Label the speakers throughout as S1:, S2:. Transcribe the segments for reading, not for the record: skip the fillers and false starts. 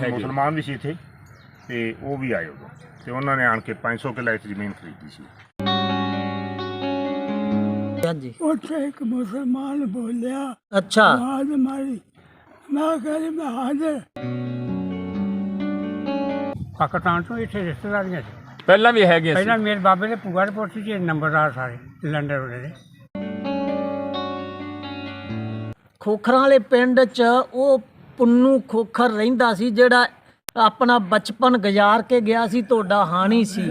S1: ਮੁਸਲਮਾਨ ਵੀ ਸੀ ਇੱਥੇ ਤੇ ਉਹ ਵੀ ਆਏ ਉਦੋਂ ਤੇ ਉਹਨਾਂ ਨੇ ਆਣ ਕੇ 500 ਕਿੱਲਾ ਇੱਥੇ ਜ਼ਮੀਨ ਖਰੀਦੀ ਸੀ।
S2: ਹਾਂਜੀ
S3: ਉੱਥੇ ਇੱਕ ਮੁਸਲਮਾਨ ਬੋਲਿਆ,
S2: ਅੱਛਾ
S3: ਆਵਾਜ਼ ਮਾਰੀ, ਮੈਂ ਕਹਿੰਦੀ ਮੈਂ ਹਾਜ਼ਰ। ਪਾਕਿਸਤਾਨ ਤੋਂ ਇੱਥੇ ਰਿਸ਼ਤੇਦਾਰੀਆਂ ਸੀ
S4: ਪਹਿਲਾਂ ਵੀ ਹੈਗੇ ਸੀ।
S3: ਪਹਿਲਾਂ ਮੇਰੇ ਬਾਬੇ ਦੇ ਭੂਆ ਦੇ ਪੁੱਤ ਸੀ ਜੀ, ਨੰਬਰਦਾਰ ਸਾਰੇ ਲੰਡਨ ਵਾਲੇ ਦੇ।
S2: ਖੋਖਰਾਂ ਵਾਲੇ ਪਿੰਡ 'ਚ ਉਹ ਪੁੰਨੂ ਖੋਖਰ ਰਹਿੰਦਾ ਸੀ ਜਿਹੜਾ ਆਪਣਾ ਬਚਪਨ ਗੁਜ਼ਾਰ ਕੇ ਗਿਆ ਸੀ, ਤੁਹਾਡਾ ਹਾਣੀ ਸੀ।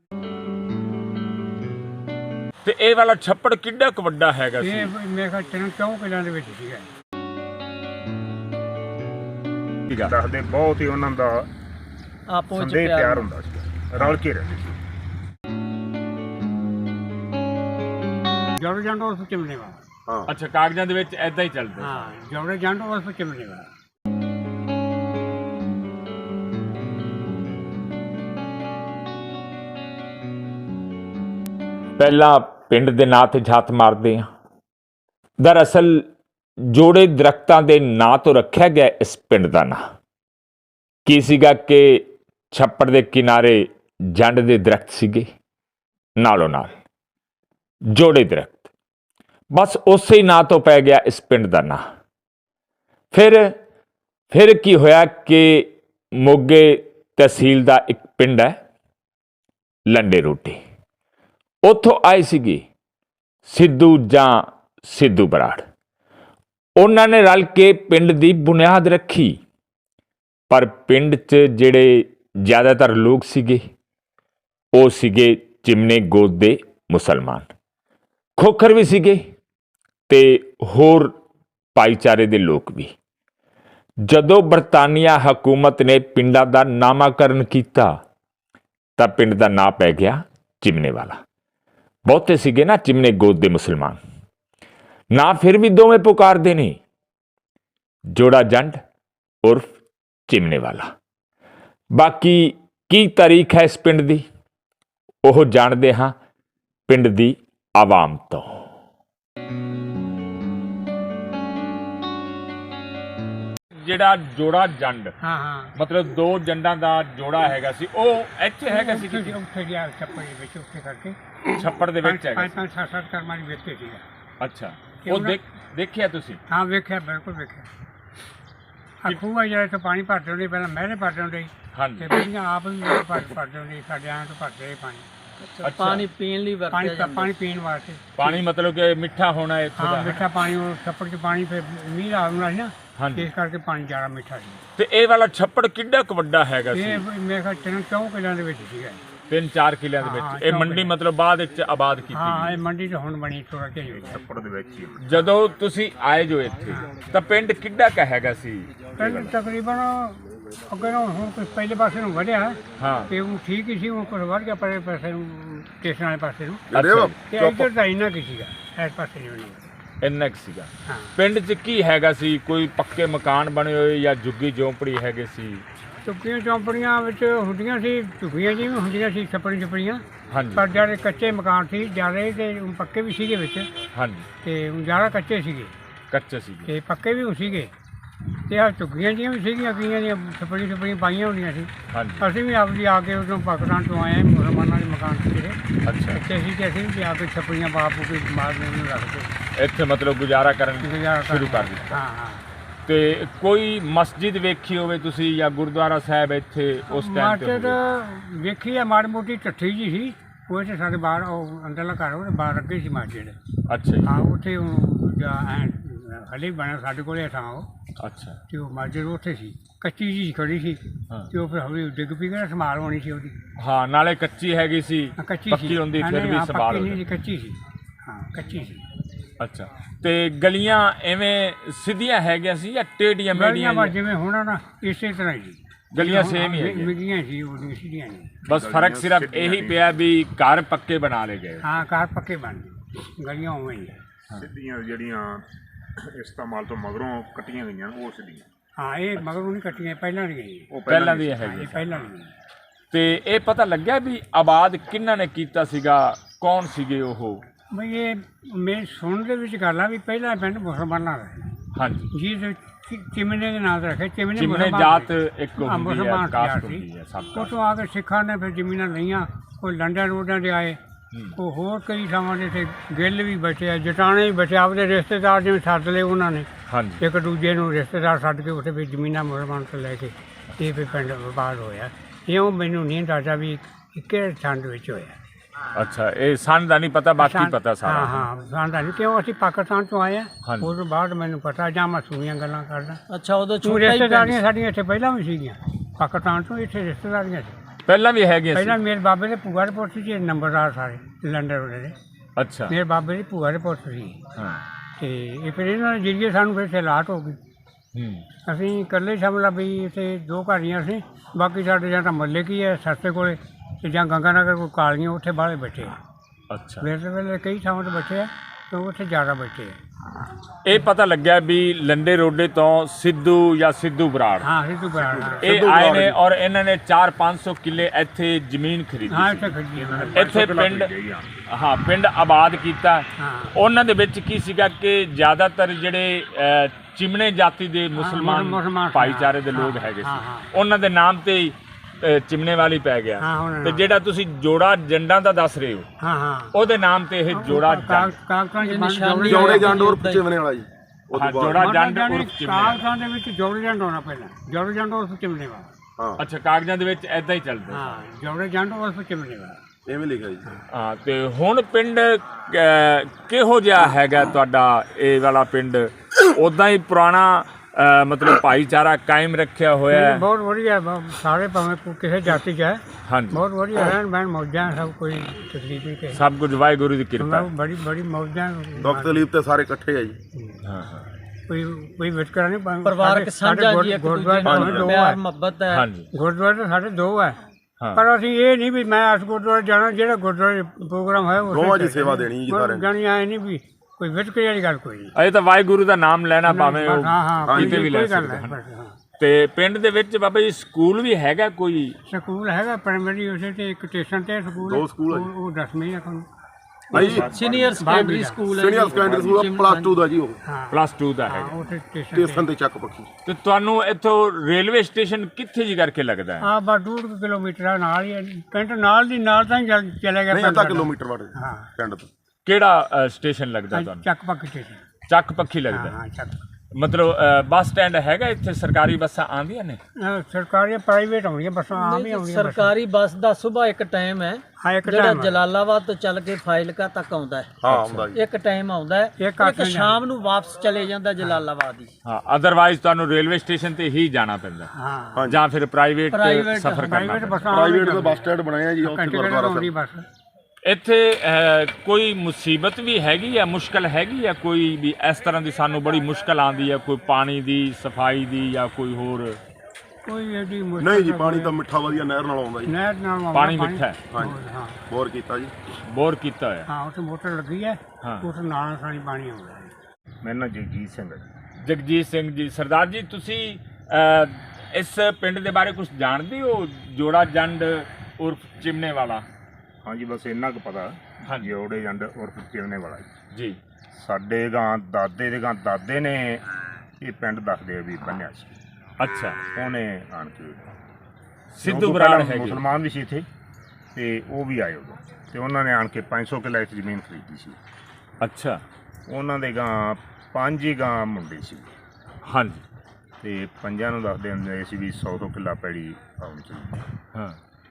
S4: ਤੇ ਇਹ ਵਾਲਾ ਛੱਪੜ ਕਿੱਡਾ ਕੁ ਵੱਡਾ ਹੈਗਾ ਸੀ?
S3: ਇਹ ਮੇਰੇ ਖਿਆਲ 3-4 ਕਿੱਲਿਆਂ ਦੇ ਵਿੱਚ ਸੀਗਾ।
S1: ਦੱਸਦੇ ਬਹੁਤ ਹੀ ਉਹਨਾਂ ਦਾ
S2: ਆਪੋ ਵਿੱਚ
S1: ਸੰਦੇਹ ਪਿਆਰ ਹੁੰਦਾ ਸੀ, ਰਲ ਕੇ ਰਹਿੰਦੇ ਸੀ।
S3: ਜੋੜੇ ਜੰਡੋ ਉਸ ਚਿਮਨੇ ਵਾਲਾ।
S1: ਹਾਂ
S4: ਅੱਛਾ, ਕਾਗਜ਼ਾਂ ਦੇ ਵਿੱਚ ਐਦਾਂ ਹੀ ਚੱਲਦਾ।
S3: ਹਾਂ, ਜੋੜੇ ਜੰਡੋ ਉਸ ਚਿਮਨੇ ਵਾਲਾ।
S4: ਪਹਿਲਾਂ ਪਿੰਡ ਦੇ ਨਾਂ ਤੇ ਝਾਤ ਮਾਰਦੇ ਹਾਂ। ਦਰਅਸਲ ਜੋੜੇ ਦਰਖਤਾਂ ਦੇ ਨਾਂ ਤੋਂ ਰੱਖਿਆ ਗਿਆ ਇਸ ਪਿੰਡ ਦਾ ਨਾਂ। ਕੀ ਸੀਗਾ ਕਿ ਛੱਪੜ ਦੇ ਕਿਨਾਰੇ ਜੰਡ ਦੇ ਦਰਖਤ ਸੀਗੇ, ਨਾਲੋਂ ਨਾਲ ਜੋੜੇ ਦਰਖਤ, ਬਸ ਉਸੇ ਹੀ ਨਾਂ ਤੋਂ ਪੈ ਗਿਆ ਇਸ ਪਿੰਡ ਦਾ ਨਾਂ। ਫਿਰ ਕੀ ਹੋਇਆ ਕਿ ਮੋਗੇ ਤਹਿਸੀਲ ਦਾ ਇੱਕ ਪਿੰਡ ਹੈ ਲੰਡੇ ਰੋਟੀ, ਉੱਥੋਂ ਆਏ ਸੀਗੇ ਸਿੱਧੂ ਜਾਂ ਸਿੱਧੂ ਬਰਾੜ। ਉਹਨਾਂ ਨੇ ਰਲ ਕੇ ਪਿੰਡ ਦੀ ਬੁਨਿਆਦ ਰੱਖੀ, ਪਰ ਪਿੰਡ 'ਚ ਜਿਹੜੇ ਜ਼ਿਆਦਾਤਰ ਲੋਕ ਸੀਗੇ ਉਹ ਸੀਗੇ ਚਿਮਨੇ ਗੋਤ ਦੇ ਮੁਸਲਮਾਨ। ਖੋਖਰ ਵੀ ਸੀਗੇ ਤੇ ਹੋਰ ਭਾਈਚਾਰੇ ਦੇ ਲੋਕ ਵੀ। ਜਦੋਂ ਬਰਤਾਨੀਆ ਹਕੂਮਤ ਨੇ ਪਿੰਡਾਂ ਦਾ ਨਾਮਾਕਰਨ ਕੀਤਾ ਤਾਂ ਪਿੰਡ ਦਾ ਨਾਂ ਪੈ ਗਿਆ ਚਿਮਨੇ ਵਾਲਾ। ਬਹੁਤੇ ਸੀਗੇ ਨਾ ਚਿਮਨੇ ਗੋਤ ਦੇ ਮੁਸਲਮਾਨ। ਨਾਂ ਫਿਰ ਵੀ ਦੋਵੇਂ ਪੁਕਾਰਦੇ ਨੇ, ਜੋੜਾ ਜੰਡ ਉਰਫ ਚਿਮਨੇ ਵਾਲਾ। ਬਾਕੀ ਕੀ ਤਾਰੀਖ ਹੈ ਇਸ ਪਿੰਡ ਦੀ, ਉਹ ਜਾਣਦੇ ਹਾਂ ਪਿੰਡ ਦੀ ਆਵਾਮ ਤੋਂ। ਜਿਹੜਾ ਜੋੜਾ ਜੰਡ,
S3: ਹਾਂ ਹਾਂ,
S4: ਮਤਲਬ ਦੋ ਜੰਡਾਂ ਦਾ ਜੋੜਾ ਹੈਗਾ ਸੀ, ਉਹ ਇੱਥੇ ਹੈਗਾ ਸੀ
S3: ਉੱਥੇ ਉੱਥੇ ਗਿਆ ਛੱਪੜ ਦੇ ਵਿੱਚ, ਉੱਥੇ ਕਰਕੇ
S4: ਛੱਪੜ ਦੇ ਵਿੱਚ ਹੈਗਾ ਸੀ।
S3: 5-7 ਕਰਮਾਂ ਦੀ ਵੇਚੇ ਸੀਗਾ।
S4: ਅੱਛਾ, ਉਹ ਦੇਖਿਆ ਤੁਸੀਂ?
S3: ਹਾਂ ਵੇਖਿਆ, ਬਿਲਕੁਲ ਵੇਖਿਆ। ਆ ਖੂਹ ਆ ਜਿਹੜਾ ਇੱਥੋਂ ਪਾਣੀ ਭਰਦੇ ਹੁੰਦੇ, ਪਹਿਲਾਂ ਮਹਿਰੇ ਭਰਦੇ ਹੁੰਦੇ
S4: ਹਾਂਜੀ।
S3: ਤੇ ਪਹਿਲਾਂ ਆਪ ਵੀ ਭਰਦੇ ਹੁੰਦੇ, ਸਾਡੇ ਆਇਆਂ ਤੋਂ ਭਰਦੇ ਪਾਣੀ।
S2: ਪਾਣੀ ਪੀਣ ਲਈ ਵਰਤਿਆ ਜਾਂਦਾ।
S3: ਪਾਣੀ ਪੀਣ ਵਾਸਤੇ।
S4: ਪਾਣੀ ਮਤਲਬ ਕਿ ਮਿੱਠਾ ਹੋਣਾ ਇੱਥੋਂ
S3: ਹਾਂ,
S4: ਦਾ?
S3: ਮਿੱਠਾ ਪਾਣੀ, ਉਹ ਛੱਪੜ 'ਚ ਪਾਣੀ ਫਿਰ ਮੀਂਹ ਆਉਣਾ ਸੀ ਨਾ,
S4: ਹਾਂਜੀ।
S3: ਇਸ ਕਰਕੇ ਪਾਣੀ ਜ਼ਿਆਦਾ ਮਿੱਠਾ ਸੀ।
S4: ਤੇ ਇਹ ਵਾਲਾ ਛੱਪੜ ਕਿੱਡਾ ਕੁ ਵੱਡਾ ਹੈਗਾ ਸੀ?
S3: ਇਹ ਮੇਰੇ ਖਿਆਲ 3-4 ਕਿੱਲਿਆਂ ਦੇ ਵਿੱਚ ਸੀਗਾ।
S4: 3-4 ਕਿੱਲਿਆਂ ਦੇ ਵਿੱਚ।
S3: ਹਾਂ,
S4: ਇਹ ਮੰਡੀ ਮਤਲਬ ਬਾਅਦ ਵਿੱਚ ਆਬਾਦ ਕੀਤੀ
S3: ਹਾਂ,
S4: ਗਈ?
S3: ਇਹ ਮੰਡੀ ਤਾਂ ਹੁਣ ਬਣੀ ਥੋੜਾ ਜਿਹਾ ਵਿੱਚ।
S1: ਛੱਪੜ ਦੇ ਵਿੱਚ ਹੀ।
S4: ਜਦੋਂ ਤੁਸੀਂ ਆਏ ਜੋ ਇੱਥੇ ਤਾਂ ਪਿੰਡ ਕਿੱਡਾ ਕੁ ਹੈਗਾ ਸੀ?
S3: ਪਿੰਡ ਤਕਰੀਬਨ ਅੱਗੇ ਨੂੰ ਹੁਣ ਕੁਛ ਪਹਿਲੇ ਪਾਸੇ ਨੂੰ ਵਧਿਆ
S4: ਹਾਂ।
S3: ਤੇ ਉਹ ਠੀਕ ਹੀ ਸੀ, ਹੁਣ ਕੁਝ ਵੱਧ ਗਿਆ ਪਰੇ ਪਾਸੇ ਨੂੰ, ਸਟੇਸ਼ਨ ਵਾਲੇ ਪਾਸੇ ਨੂੰ।
S4: ਅੱਛਾ,
S3: ਤੇ ਇੱਧਰ ਤਾਂ ਇੰਨਾ ਕੀ ਸੀਗਾ, ਇਸ ਪਾਸੇ ਨਹੀਂ ਬਣਿਆ।
S4: ਇੰਨਾ ਕੁ ਸੀਗਾ।
S3: ਹਾਂ,
S4: ਪਿੰਡ 'ਚ ਕੀ ਹੈਗਾ ਸੀ? ਕੋਈ ਪੱਕੇ ਮਕਾਨ ਬਣੇ ਹੋਏ ਜਾਂ ਝੁੱਗੀ ਝੌਂਪੜੀ ਹੈਗੇ ਸੀ?
S3: ਝੁੱਗੀਆਂ ਚੌਂਪੜੀਆਂ ਵਿੱਚ ਹੁੰਦੀਆਂ ਸੀ, ਝੁੱਗੀਆਂ ਜਿਹੀਆਂ ਹੁੰਦੀਆਂ ਸੀ, ਛੱਪੜੀਆਂ।
S4: ਹਾਂਜੀ
S3: ਪਰ ਜਿਹੜੇ ਕੱਚੇ ਮਕਾਨ ਸੀ ਜ਼ਿਆਦਾ, ਤੇ ਪੱਕੇ ਵੀ ਸੀਗੇ ਵਿੱਚ,
S4: ਹਾਂਜੀ।
S3: ਤੇ ਜ਼ਿਆਦਾ ਕੱਚੇ ਸੀਗੇ
S4: ਕੱਚੇ ਸੀਗੇ।
S3: ਤੇ ਪੱਕੇ ਵੀ ਸੀਗੇ। ਤੇ ਆ ਝੁੱਗੀਆਂ ਜਿਹੀਆਂ ਵੀ ਸੀਗੀਆਂ, ਕਈਆਂ ਦੀਆਂ ਛੱਪੜੀਆਂ ਪਾਈਆਂ ਹੁੰਦੀਆਂ ਸੀ।
S4: ਹਾਂਜੀ।
S3: ਅਸੀਂ ਵੀ ਆਪਦੀ ਆ ਕੇ ਉਦੋਂ ਪਾਕਿਸਤਾਨ ਤੋਂ ਆਏ ਹਾਂ, ਮੁਸਲਮਾਨਾਂ ਦੇ ਮਕਾਨ ਸੀ ਜਿਹੜੇ
S4: ਅੱਛਾ,
S3: ਇੱਥੇ ਸੀ, ਤੇ ਅਸੀਂ ਵੀ ਆ ਕੇ ਛੱਪੜੀਆਂ ਬਾਪੂ ਕੋਈ ਮਾਰ ਨੂੰ ਰੱਖਦੇ,
S4: ਇੱਥੇ ਮਤਲਬ ਗੁਜ਼ਾਰਾ ਕਰਨ
S3: ਗੁਜ਼ਾਰਾ
S4: ਸ਼ੁਰੂ ਕਰ ਦਿੱਤਾ।
S3: ਹਾਂ ਹਾਂ।
S4: ਤੇ ਕੋਈ ਮਸਜਿਦ ਵੇਖੀ ਹੋਵੇ ਤੁਸੀਂ ਜਾਂ ਗੁਰਦੁਆਰਾ ਸਾਹਿਬ ਇੱਥੇ ਉਸ ਟਾਈਮ ਤੇ
S3: ਮਾਰਕੀਟ
S4: ਹੋਵੇ?
S3: ਵੇਖੀ ਆ, ਮਾੜੀ ਮੋਟੀ ਢੱਠੀ ਜੀ ਸੀ, ਉਹ ਇੱਥੇ ਸਾਡੇ ਬਾਹਰ, ਉਹ ਅੰਦਰਲਾ ਘਰ ਉਹਦੇ ਬਾਹਰ ਅੱਗੇ ਸੀ ਮਸਜਿਦ।
S4: ਅੱਛਾ ਜੀ।
S3: ਹਾਂ, ਉੱਥੇ ਹਲੇ ਬਣਿਆ ਸਾਡੇ ਕੋਲੇ ਥਾਂ ਉਹ,
S4: ਅੱਛਾ।
S3: ਤੇ ਉਹ ਮਸਜਿਦ ਉੱਥੇ ਸੀ, ਕੱਚੀ ਜੀ ਖੜੀ ਸੀ,
S4: ਹਾਂ।
S3: ਤੇ ਉਹ ਫਿਰ ਹੌਲੀ ਡਿੱਗ ਪਈ, ਕਿ ਸੰਭਾਲ ਹੋਣੀ ਸੀ ਉਹਦੀ।
S4: ਹਾਂ, ਨਾਲੇ ਕੱਚੀ ਹੈਗੀ ਸੀ,
S3: ਕੱਚੀ
S4: ਪੱਕੀ
S3: ਸੀ
S4: ਹੁੰਦੀ
S3: ਹਾਂ,
S4: ਫਿਰ
S3: ਨਹੀਂ,
S4: ਵੀ
S3: ਹਾਂ,
S4: ਸੰਭਾਲ
S3: ਪੱਕੀ
S4: ਹੋ
S3: ਨਹੀਂ ਸੀ, ਕੱਚੀ ਸੀ। ਹਾਂ, ਕੱਚੀ ਸੀ।
S4: ਅੱਛਾ। ਤੇ ਗਲੀਆਂ ਐਵੇਂ ਸਿੱਧੀਆਂ ਹੈਗੀਆਂ ਸੀ ਜਾਂ ਟੇਢੀਆਂ ਮੇਢੀਆਂ?
S3: ਗਲੀਆਂ ਜਿਵੇਂ ਹੋਣਾ ਨਾ, ਇਸੇ ਤਰ੍ਹਾਂ ਹੀ
S4: ਗਲੀਆਂ ਸੇਮ ਹੀ ਹੈਗੀਆਂ?
S3: ਮਿੱਗੀਆਂ ਸੀ, ਉਹਦੀਆਂ ਸਿੱਧੀਆਂ ਨਹੀਂ।
S4: ਬਸ ਫਰਕ ਸਿਰਫ ਇਹੀ ਪਿਆ ਵੀ ਘਰ ਪੱਕੇ ਬਣਾ ਲਏ ਗਏ।
S3: ਹਾਂ, ਘਰ ਪੱਕੇ ਬਣ ਗਏ, ਗਲੀਆਂ ਉਵੇਂ ਹੀ।
S1: ਸਿੱਧੀਆਂ ਜਿਹੜੀਆਂ ਇਸਤੇਮਾਲ ਤੋਂ ਮਗਰੋਂ ਕੱਟੀਆਂ ਗਈਆਂ ਉਹ ਸਿੱਧੀਆਂ।
S3: ਹਾਂ, ਇਹ ਮਗਰੋਂ ਨਹੀਂ ਕੱਟੀਆਂ, ਪਹਿਲਾਂ ਨਹੀਂ ਗਈਆਂ।
S1: ਉਹ
S4: ਪਹਿਲਾਂ ਦੀ
S3: ਇਹ
S4: ਹੈਗੀ।
S3: ਪਹਿਲਾਂ ਨਹੀਂ।
S4: ਤੇ ਇਹ ਪਤਾ ਲੱਗਿਆ ਵੀ ਆਬਾਦ ਕਿਹਨਾਂ ਨੇ ਕੀਤਾ ਸੀਗਾ, ਕੌਣ ਸੀਗੇ ਉਹ?
S3: ਬਈ ਇਹ ਮੇਰੇ ਸੁਣਨ ਦੇ ਵਿੱਚ ਗੱਲ ਆ ਵੀ ਪਹਿਲਾਂ ਪਿੰਡ ਮੁਸਲਮਾਨਾਂ ਦਾ ਸੀ,
S4: ਹਾਂਜੀ।
S3: ਜਿਸ ਵਿੱਚ ਚਿਮਨੇ ਦੇ ਨਾਂ ਤੇ ਰੱਖੇ। ਚਿਮਨੇ
S4: ਚਿਮਨੇ
S3: ਮੁਸਲਮਾਨ
S4: ਜਾਤ
S3: ਸੀ।
S4: ਇੱਕ
S3: ਹਾਂ,
S4: ਹੁੰਦੀ ਹੈ,
S3: ਮੁਸਲਮਾਨ
S4: ਕਾਸਟ
S3: ਜਾਤ ਸੀ।
S4: ਹੁੰਦੀ ਹੈ, ਸਭ
S3: ਉਹ ਤੋਂ ਆ ਕੇ ਸਿੱਖਾਂ ਨੇ ਫਿਰ ਜ਼ਮੀਨਾਂ ਲਈਆਂ। ਕੋਈ ਲੰਡਨ ਰੋਡਾਂ ਦੇ ਆਏ, ਉਹ ਹੋਰ ਕਈ ਥਾਵਾਂ ਦੇ ਇੱਥੇ ਗਿੱਲ ਵੀ ਬਚੇ ਆ, ਜਟਾਣੇ ਵੀ ਬਚੇ, ਆਪਦੇ ਰਿਸ਼ਤੇਦਾਰ ਜਿਵੇਂ ਸੱਦ ਲਏ ਉਹਨਾਂ ਨੇ,
S4: ਹਾਂਜੀ
S3: ਇੱਕ ਦੂਜੇ ਨੂੰ ਰਿਸ਼ਤੇਦਾਰ ਛੱਡ ਕੇ ਉੱਥੇ ਵੀ ਜ਼ਮੀਨਾਂ ਮੁਸਲਮਾਨ ਤੋਂ ਲੈ ਕੇ ਇਹ ਵੀ ਪਿੰਡ ਵਪਾਰ ਹੋਇਆ। ਇਉਂ ਮੈਨੂੰ ਨਹੀਂ ਅੰਦਾਜ਼ਾ ਵੀ ਕਿਹੜੇ ਸੰਨ ਵਿੱਚ ਹੋਇਆ।
S4: ਅੱਛਾ, ਇਹ ਸੰਨ ਦਾ ਨਹੀਂ ਪਤਾ, ਬਾਕੀ ਪਤਾ
S3: ਹਾਂ
S4: ਸਾਰਾ।
S3: ਹਾਂ, ਸੰਨ ਦਾ ਨਹੀਂ, ਕਿਉਂ ਅਸੀਂ ਪਾਕਿਸਤਾਨ ਤੋਂ ਆਏ ਆ।
S4: ਹਾਂਜੀ।
S3: ਉਸ ਤੋਂ ਬਾਅਦ ਮੈਨੂੰ ਪਤਾ, ਜਾਂ ਮੈਂ ਸੁਣੀਆਂ ਗੱਲਾਂ ਕਰਦਾ।
S2: ਅੱਛਾ, ਉਦੋਂ
S3: ਤੂੰ
S2: ਛੋਟਾ ਹੀ
S3: ਰਿਸ਼ਤੇਦਾਰੀਆਂ ਸਾਡੀਆਂ ਇੱਥੇ ਪਹਿਲਾਂ ਵੀ ਸੀਗੀਆਂ, ਪਾਕਿਸਤਾਨ ਤੋਂ ਇੱਥੇ ਰਿਸ਼ਤੇਦਾਰੀਆਂ ਸੀ।
S4: ਪਹਿਲਾਂ ਵੀ ਹੈਗੇ ਸੀ।
S3: ਪਹਿਲਾਂ ਮੇਰੇ ਬਾਬੇ ਦੇ ਭੂਆ ਦੇ ਪੁੱਤ ਸੀ, ਨੰਬਰਦਾਰ ਸਾਰੇ ਲੰਡਨ ਵਾਲੇ ਦੇ।
S4: ਅੱਛਾ,
S3: ਮੇਰੇ ਬਾਬੇ ਦੀ ਭੂਆ ਦੇ ਪੁੱਤ ਸੀ।
S4: ਹਾਂ,
S3: ਤੇ ਇਹ ਫਿਰ ਇਹਨਾਂ ਦੇ ਜਰੀਏ ਸਾਨੂੰ ਫਿਰ ਸਲਾਟ ਹੋ ਗਈ। ਅਸੀਂ ਇਕੱਲੇ ਸਮਝਲਾ ਵੀ ਇੱਥੇ 2 ਘਰੀਆਂ ਸੀ, ਬਾਕੀ ਸਾਡੇ ਜਾਂ ਤਾਂ ਮੱਲੇ ਕੀ ਹੈ ਸਸਤੇ ਕੋਲੇ, ਤੇ ਜਾਂ ਗੰਗਾ ਨਗਰ ਕੋਈ ਕਾਲੀਆਂ, ਉੱਥੇ ਬਾਹਲੇ ਬੈਠੇ ਆ।
S4: ਅੱਛਾ,
S3: ਵੇਲੇ ਵੇਲੇ ਕਈ ਥਾਵਾਂ 'ਤੇ ਬੈਠੇ ਆ, ਤੇ ਉੱਥੇ ਜ਼ਿਆਦਾ ਬੈਠੇ ਆ।
S4: ਇਹ ਪਤਾ ਲੱਗਿਆ ਵੀ ਲੰਡੇ ਰੋਡੇ ਤੋਂ ਸਿੱਧੂ ਜਾਂ ਸਿੱਧੂ ਬਰਾੜ
S3: ਹਾਂ, ਸਿੱਧੂ ਬਰਾੜ।
S4: ਇਹ ਆਏ ਨੇ ਔਰ ਇਹਨਾਂ ਨੇ 400-500 ਕਿੱਲੇ ਇੱਥੇ ਜ਼ਮੀਨ ਖਰੀਦੀ
S3: ਹਾਂ,
S4: ਸੀ।
S3: ਇੱਥੇ ਖੜੀ ਹੈ।
S4: ਇੱਥੇ ਪਿੰਡ, ਹਾਂ, ਪਿੰਡ ਆਬਾਦ ਕੀਤਾ।
S3: ਹਾਂ।
S4: ਉਹਨਾਂ ਦੇ ਵਿੱਚ ਕੀ ਸੀਗਾ ਕਿ ਜ਼ਿਆਦਾਤਰ ਜਿਹੜੇ ਚਿਮਣੇ ਜਾਤੀ ਦੇ
S3: ਮੁਸਲਮਾਨ
S4: ਮੁਸਲਮਾਨ
S3: ਸੀ।
S4: ਭਾਈਚਾਰੇ ਦੇ
S3: ਹਾਂ,
S4: ਲੋਕ ਹੈਗੇ
S3: ਹਾਂ,
S4: ਸੀ,
S3: ਹਾਂ।
S4: ਉਹਨਾਂ ਦੇ ਨਾਮ ਤੇ ਹੀ ਚਿਮਣੇ ਵਾਲੀ ਪੈ ਗਿਆ।
S3: ਹਾਂ, ਉਹਨਾਂ
S4: ਤੇ
S3: ਨਾਲ।
S4: ਜਿਹੜਾ ਤੁਸੀਂ ਜੋੜਾ ਜੰਡਾਂ ਦਾ ਦੱਸ ਰਹੇ ਹੋ,
S3: ਹਾਂ ਹਾਂ,
S4: ਉਹਦੇ ਨਾਮ ਤੇ ਇਹ ਜੋੜਾ ਜੰਡ,
S3: ਕਾਗਜ਼ਾਂ ਦੀ
S2: ਨਿਸ਼ਾਨੀ
S5: ਜੋੜੇ ਜੰਡ ਔਰ ਚਿਮਨੇ ਵਾਲਾ ਜੀ।
S4: ਹਾਂ, ਜੋੜਾ ਜੰਡ ਉਰਫ ਚਿਮਣੇ।
S3: ਕਾਗਜ਼ਾਂ ਦੇ ਵਿੱਚ ਜੋੜੇ ਜੰਡ ਹੋਣਾ ਪਹਿਲਾਂ, ਜੋੜੇ ਜੰਡ ਉਰਫ ਚਿਮਨੇ ਵਾਲਾ।
S5: ਹਾਂ,
S4: ਅੱਛਾ, ਕਾਗਜ਼ਾਂ ਦੇ ਵਿੱਚ ਐਦਾਂ ਹੀ ਚੱਲਦਾ।
S3: ਹਾਂ, ਜੋੜੇ ਜੰਡ ਉਰਫ ਚਿਮਨੇ ਵਾਲਾ।
S5: ਐਵੇਂ ਲਿਖਿਆ ਜੀ।
S4: ਹਾਂ, ਤੇ ਹੁਣ ਪਿੰਡ ਕਿਹੋ ਜਿਹਾ ਹੈਗਾ ਤੁਹਾਡਾ ਇਹ ਵਾਲਾ ਪਿੰਡ? ਉਦਾਂ ਹੀ ਪੁਰਾਣਾ ਮਤਲਬ ਭਾਈਚਾਰਾ ਕਾਇਮ ਰੱਖਿਆ ਹੋਇਆ ਹੈ?
S3: ਬਹੁਤ ਵਧੀਆ, ਸਾਰੇ ਭਾਵੇਂ ਕਿਸੇ ਜਾਤੀ 'ਚ ਹੈ,
S4: ਹਾਂਜੀ,
S3: ਬਹੁਤ ਵਧੀਆ ਰਹਿਣ ਬਹਿਣ, ਮੌਜਾਂ, ਸਭ ਕੋਈ ਤਕਲੀਫ ਨਹੀਂ ਕਿਸੇ।
S4: ਸਭ ਕੁਝ ਵਾਹਿਗੁਰੂ ਦੀ ਕਿਰਪਾ ਹੈ।
S3: ਬੜੀ ਬੜੀ ਮੌਜਾਂ।
S5: ਦੁੱਖ ਤਕਲੀਫ ਤੇ ਸਾਰੇ ਇਕੱਠੇ ਆ ਜੀ।
S4: ਹਾਂ, ਹਾਂ,
S3: ਕੋਈ ਵਿਤਕਰਾ ਨਹੀਂ।
S2: ਪਰਿਵਾਰਕ ਸਾਂਝਾ ਜੀ, ਇੱਕ
S3: ਗੁਰਦੁਆਰੇ
S2: ਦੂਜੇ
S3: ਭਾਵੇਂ
S2: ਨਾਲ
S3: ਦੋ
S2: ਪਿਆਰ
S3: ਹੈ,
S2: ਮੁਹੱਬਤ ਹੈ।
S4: ਹਾਂਜੀ,
S3: ਗੁਰਦੁਆਰੇ ਤਾਂ ਸਾਡੇ 2 ਹੈ,
S4: ਹਾਂ।
S3: ਪਰ ਅਸੀਂ ਇਹ ਨਹੀਂ ਵੀ ਮੈਂ ਇਸ ਗੁਰਦੁਆਰੇ ਜਾਣਾ, ਜਿਹੜਾ ਗੁਰਦੁਆਰੇ ਪ੍ਰੋਗਰਾਮ ਹੈ ਉਹ
S5: ਦੋਵਾਂ ਦੀ ਸੇਵਾ ਦੇਣੀ ਜੀ ਸਾਰਿਆਂ ਨੇ।
S3: ਜਾਣੀ ਆਏ ਨਹੀਂ ਵੀ ਕੋਈ ਵਿਤਕਰੇ ਵਾਲੀ ਗੱਲ ਕੋਈ ਨਹੀਂ।
S4: ਇਹ ਤਾਂ ਵਾਹਿਗੁਰੂ ਦਾ ਨਾਮ ਲੈਣਾ, ਭਾਵੇਂ ਉਹ
S3: ਹਾਂ ਹਾਂ,
S4: ਕਿਤੇ ਵੀ ਲੈ
S3: ਕੋਈ ਗੱਲ
S4: ਸਕਦੇ
S3: ਹੈ,
S4: ਹਨ।
S3: ਬਸ, ਹਾਂ।
S4: ਤੇ ਪਿੰਡ ਦੇ ਵਿੱਚ ਬਾਬਾ ਜੀ ਸਕੂਲ ਵੀ ਹੈਗਾ ਕੋਈ?
S3: ਸਕੂਲ ਹੈਗਾ ਪ੍ਰਾਇਮਰੀ, ਉਸੇ ਤੇ ਇੱਕ ਸਟੇਸ਼ਨ ਤੇ ਸਕੂਲ
S5: 2 ਸਕੂਲ ਹੈ ਜੀ।
S3: ਉਹ 10ਵੀਂ ਹੈ ਤੁਹਾਨੂੰ।
S5: ਹਾਂਜੀ,
S2: ਸੀਨੀਅਰ ਸੈਕੰਡਰੀ ਸਕੂਲ ਹੈ
S5: ਸੀਨੀਅਰ ਸੈਕੰਡਰੀ ਸਕੂਲ +2 ਦਾ ਜੀ ਉਹ।
S3: ਹਾਂ,
S4: +2 ਦਾ
S3: ਹਾਂ,
S4: ਹੈਗਾ।
S3: ਉੱਥੇ ਸਟੇਸ਼ਨ
S5: ਸਟੇਸ਼ਨ ਤੇ ਚੱਕ ਪੱਖੀ।
S4: ਤੇ ਤੁਹਾਨੂੰ ਇੱਥੋਂ ਰੇਲਵੇ ਸਟੇਸ਼ਨ ਕਿੱਥੇ ਜੀ ਕਰਕੇ ਲੱਗਦਾ ਹੈ?
S3: ਆ ਬਾ 1.5 ਕਿਲੋਮੀਟਰ ਆ, ਨਾਲ ਹੀ ਹੈ। ਪਿੰਡ ਨਾਲ ਦੀ ਨਾਲ ਤਾਂ ਹੀ ਚਲੇ ਗਿਆ
S5: ਨਹੀਂ, ਅੱਧਾ ਕਿਲੋਮੀਟਰ ਵਾਟ
S3: ਹਾਂ,
S5: ਪਿੰਡ ਤੋਂ।
S4: ਕਿਹੜਾ ਸਟੇਸ਼ਨ ਲੱਗਦਾ ਤੁਹਾਨੂੰ?
S3: ਚੱਕ ਪੱਕ ਸਟੇਸ਼ਨ।
S4: ਚੱਕ ਪੱਖੀ ਲੱਗਦਾ?
S3: ਹਾਂ, ਚੱਕ।
S4: ਮਤਲਬ ਬੱਸ ਸਟੈਂਡ ਹੈਗਾ ਇੱਥੇ? ਸਰਕਾਰੀ ਬੱਸਾਂ ਆਉਂਦੀਆਂ ਨੇ?
S3: ਸਰਕਾਰੀ ਪ੍ਰਾਈਵੇਟ ਆਉਂਦੀਆਂ ਬੱਸਾਂ, ਆਮ ਹੀ ਆਉਂਦੀਆਂ ਬੱਸਾਂ।
S2: ਸਰਕਾਰੀ ਬੱਸ ਦਾ ਸਵੇਰ ਇੱਕ ਟਾਈਮ ਹੈ,
S3: ਹਾਂ, ਇੱਕ
S2: ਜਿਹੜਾ
S3: ਟਾਈਮ
S2: ਜਲਾਲਾਬਾਦ ਤੋਂ ਚੱਲ ਕੇ ਫਾਜ਼ਿਲਕਾ ਤੱਕ ਆਉਂਦਾ ਹੈ।
S5: ਹਾਂ, ਆਉਂਦਾ ਜੀ।
S2: ਇੱਕ ਟਾਈਮ ਆਉਂਦਾ ਹੈ,
S3: ਇੱਕ
S2: ਇੱਕ ਸ਼ਾਮ ਨੂੰ ਵਾਪਸ ਚਲੇ ਜਾਂਦਾ ਜਲਾਲਾਬਾਦ ਹੀ।
S4: ਹਾਂ, ਅਦਰਵਾਈਜ਼ ਤੁਹਾਨੂੰ ਰੇਲਵੇ ਸਟੇਸ਼ਨ ਤੇ ਹੀ ਜਾਣਾ ਪੈਂਦਾ,
S3: ਹਾਂ,
S4: ਜਾਂ ਫਿਰ ਪ੍ਰਾਈਵੇਟ
S2: Private,
S4: ਸਫ਼ਰ ਕਰਨਾ
S3: ਪ੍ਰਾਈਵੇਟ
S4: ਪੈਂਦਾ।
S3: ਬੱਸਾਂ
S5: ਪ੍ਰਾਈਵੇਟ ਦਾ ਬੱਸ ਸਟੈਂਡ ਬਣਾਇਆ ਜੀ ਉੱਥੇ ਗੁਰਦੁਆਰਾ
S3: ਆਉਂਦੀ
S5: ਸਾਹਿਬ।
S3: ਬੱਸ।
S4: ਇੱਥੇ ਕੋਈ ਮੁਸੀਬਤ ਵੀ ਹੈਗੀ ਹੈ, ਮੁਸ਼ਕਲ ਹੈਗੀ ਹੈ ਕੋਈ ਵੀ ਇਸ ਤਰ੍ਹਾਂ ਦੀ? ਸਾਨੂੰ ਬੜੀ ਮੁਸ਼ਕਲ ਆਉਂਦੀ ਹੈ, ਕੋਈ ਪਾਣੀ ਦੀ, ਸਫਾਈ ਦੀ, ਜਾਂ ਕੋਈ ਹੋਰ?
S3: ਕੋਈ ਐਡੀ ਮੁਸ਼ਕਲ
S5: ਨਹੀਂ ਜੀ, ਪਾਣੀ ਤਾਂ ਮਿੱਠਾ ਵਧੀਆ ਨਹਿਰ ਨਾਲ ਆਉਂਦਾ ਜੀ।
S3: ਨਹਿਰ ਨਾਲ ਆਉਂਦਾ
S4: ਪਾਣੀ ਮਿੱਠਾ ਹੈ?
S5: ਹਾਂਜੀ,
S3: ਹਾਂ
S5: ਬੋਰ ਕੀਤਾ ਜੀ।
S4: ਬੋਰ ਕੀਤਾ ਹੋਇਆ?
S3: ਹਾਂ, ਉੱਥੇ ਮੋਟਰ ਲੱਗੀ ਹੈ,
S4: ਹਾਂ।
S3: ਉੱਥੇ ਨਾਲ ਸਾਰੀ ਪਾਣੀ ਆਉਂਦਾ ਹੈ।
S1: ਮੇਰਾ ਨਾਂ ਜਗਜੀਤ ਸਿੰਘ ਹੈ ਜੀ।
S4: ਜਗਜੀਤ ਸਿੰਘ ਜੀ, ਸਰਦਾਰ ਜੀ ਤੁਸੀਂ ਇਸ ਪਿੰਡ ਦੇ ਬਾਰੇ ਕੁਝ ਜਾਣਦੇ ਹੋ? ਜੋੜਾ ਜੰਡ ਉਰਫ ਚਿਮਨੇ ਵਾਲਾ?
S1: ਹਾਂਜੀ, ਬਸ ਇੰਨਾ ਕੁ ਪਤਾ।
S4: ਹਾਂਜੀ।
S1: ਜੋੜੇ ਜੰਡ ਉਰਫ ਚਿਮਨੇ ਵਾਲਾ ਜੀ।
S4: ਜੀ,
S1: ਸਾਡੇ ਗਾਂ ਦਾਦੇ ਦੇ ਗਾਂ ਦਾਦੇ ਨੇ ਇਹ ਪਿੰਡ ਦੱਸਦੇ ਆ ਵੀ ਬੰਨਿਆ ਸੀ।
S4: ਅੱਛਾ।
S1: ਉਹਨੇ ਆਣ ਕੇ
S4: ਸਿੱਧੂ
S1: ਉਦੋਂ
S4: ਬਰਾੜ
S1: ਪਹਿਲਾਂ
S4: ਹੈਗੇ?
S1: ਮੁਸਲਮਾਨ ਵੀ ਸੀ ਇੱਥੇ, ਤੇ ਉਹ ਵੀ ਆਏ ਉਦੋਂ, ਤੇ ਉਹਨਾਂ ਨੇ ਆਣ ਕੇ 500 ਕਿੱਲਾ ਇੱਥੇ ਜ਼ਮੀਨ ਖਰੀਦੀ ਸੀ।
S4: ਅੱਛਾ,
S1: ਉਹਨਾਂ ਦੇ ਗਾਂ 5 ਹੀ ਗਾਂ ਮੁੰਡੇ ਸੀ,
S4: ਹਾਂਜੀ,
S1: ਤੇ 5 ਨੂੰ ਦੱਸਦੇ ਹੁੰਦੇ ਸੀ ਵੀ 100 ਕਿੱਲਾ ਪੈੜੀ ਆਉਣੀ ਚਾਹੀਦੀ।
S4: ਹਾਂ।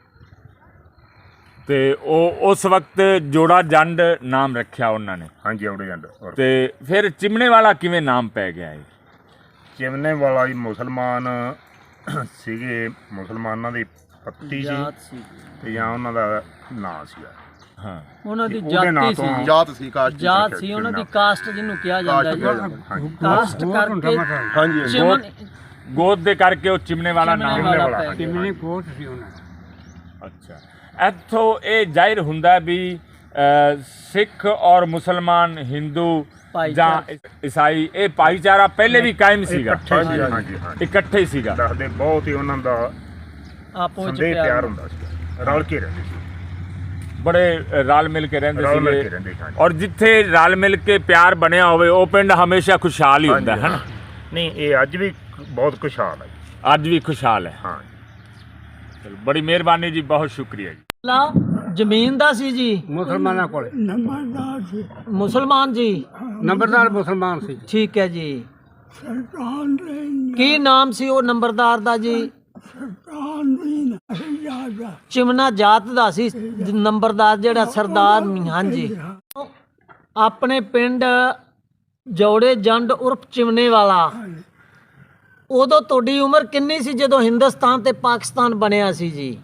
S4: ਤੇ ਉਹ ਉਸ ਵਕਤ ਜੋੜਾ ਜੰਡ ਨਾਮ ਰੱਖਿਆ ਉਹਨਾਂ ਨੇ,
S1: ਹਾਂਜੀ, ਜੋੜੇ ਜੰਡ। ਔਰ
S4: ਤੇ ਫਿਰ ਚਿਮਨੇ ਵਾਲਾ ਕਿਵੇਂ ਨਾਮ ਪੈ ਗਿਆ ਇਹ?
S1: ਚਿਮਨੇ ਵਾਲਾ ਜੀ ਮੁਸਲਮਾਨ ਸੀਗੇ, ਮੁਸਲਮਾਨਾਂ ਦੀ ਪੱਤੀ ਸੀ,
S2: ਜਾਤ ਸੀ,
S1: ਤੇ ਜਾਂ ਉਹਨਾਂ ਦਾ ਨਾਂ ਸੀਗਾ।
S4: ਹਾਂ,
S2: ਉਹਨਾਂ ਦੀ
S1: ਉਹਦੇ ਨਾਂ
S2: ਜਾਤੀ
S1: ਤੋਂ
S2: ਸੀ,
S5: ਜਾਤ ਸੀ, ਕਾਸ਼ਟ ਸੀ।
S2: ਜਾਤ ਸੀ ਉਹਨਾਂ ਦੀ, ਕਾਸਟ ਜਿਹਨੂੰ ਕਿਹਾ ਜਾਂਦਾ ਹੈ।
S1: ਹਾਂਜੀ,
S2: ਕਾਸਟ
S3: ਹੋਰ ਹੁੰਦਾ
S2: ਕਰਕੇ
S3: ਮਤਲਬ।
S5: ਹਾਂਜੀ, ਹਾਂਜੀ।
S2: ਚਿਮਨ
S4: ਗੋਦ ਦੇ ਕਰਕੇ ਉਹ ਚਿਮਨੇ ਵਾਲਾ ਨਾਮ।
S2: ਚਿਮਨੇ ਵਾਲਾ
S1: ਵਾਲਾ,
S2: ਪੈ
S1: ਹਾਂਜੀ।
S2: ਗਿਆ।
S3: ਕਿੰਨੇ ਕੋਟ ਸੀ ਉਹਨਾਂ ਦਾ।
S4: ਅੱਛਾ, ਇੱਥੋਂ ਇਹ ਜ਼ਾਹਿਰ ਹੁੰਦਾ ਵੀ ਸਿੱਖ ਔਰ ਮੁਸਲਮਾਨ, ਹਿੰਦੂ ਜਾਂ ਈਸਾਈ, ਇਹ ਭਾਈਚਾਰਾ ਪਹਿਲੇ ਵੀ ਕਾਇਮ ਸੀਗਾ,
S1: ਹਾਂਜੀ, ਹਾਂਜੀ, ਹਾਂਜੀ।
S4: ਇਕੱਠੇ ਹੀ ਸੀਗਾ।
S1: ਦੱਸਦੇ ਬਹੁਤ ਹੀ ਉਹਨਾਂ ਦਾ
S2: ਆਪੋ ਵਿੱਚ
S1: ਸੰਦੇਹ ਪਿਆਰ
S2: ਪਿਆਰ
S1: ਹੁੰਦਾ ਸੀ, ਰਲ ਕੇ ਰਹਿੰਦੇ ਸੀ,
S4: ਬੜੇ ਰਲ ਮਿਲ ਕੇ ਰਹਿੰਦੇ
S1: ਰਲ ਮਿਲ ਕੇ
S4: ਸੀਗੇ,
S1: ਰਹਿੰਦੇ ਸੀ। ਹਾਂਜੀ।
S4: ਔਰ ਜਿੱਥੇ ਰਲ ਮਿਲ ਕੇ ਪਿਆਰ ਬਣਿਆ ਹੋਵੇ ਉਹ ਪਿੰਡ ਹਮੇਸ਼ਾ ਖੁਸ਼ਹਾਲ ਹੀ ਹੁੰਦਾ ਹੈ ਨਾ।
S1: ਨਹੀਂ, ਇਹ ਅੱਜ ਵੀ ਬਹੁਤ ਖੁਸ਼ਹਾਲ ਹੈ ਜੀ।
S4: ਅੱਜ ਵੀ ਖੁਸ਼ਹਾਲ ਹੈ।
S1: ਹਾਂ।
S4: ਚਲੋ, ਬੜੀ ਮਿਹਰਬਾਨੀ ਜੀ, ਬਹੁਤ ਸ਼ੁਕਰੀਆ ਜੀ।
S2: ਲਾ ਜ਼ਮੀਨ ਦਾ ਸੀ ਜੀ,
S3: ਮੁਸਲਮਾਨਾਂ ਕੋਲ
S2: ਮੁਸਲਮਾਨ ਜੀ,
S3: ਨੰਬਰਦਾਰ ਮੁਸਲਮਾਨ ਸੀ।
S2: ਠੀਕ ਹੈ ਜੀ। ਕੀ ਨਾਮ ਸੀ ਉਹ ਨੰਬਰਦਾਰ ਦਾ ਜੀ? ਚਿਮਨਾ ਜਾਤ ਦਾ ਸੀ ਨੰਬਰਦਾਰ ਜਿਹੜਾ ਸਰਦਾਰ। ਹਾਂਜੀ। ਆਪਣੇ ਪਿੰਡ ਜੋੜੇ ਜੰਡ ਉਰਫ ਚਿਮਨੇ ਵਾਲਾ, ਉਦੋਂ ਤੁਹਾਡੀ ਉਮਰ ਕਿੰਨੀ ਸੀ ਜਦੋਂ ਹਿੰਦੁਸਤਾਨ ਤੇ ਪਾਕਿਸਤਾਨ ਬਣਿਆ ਸੀ ਜੀ?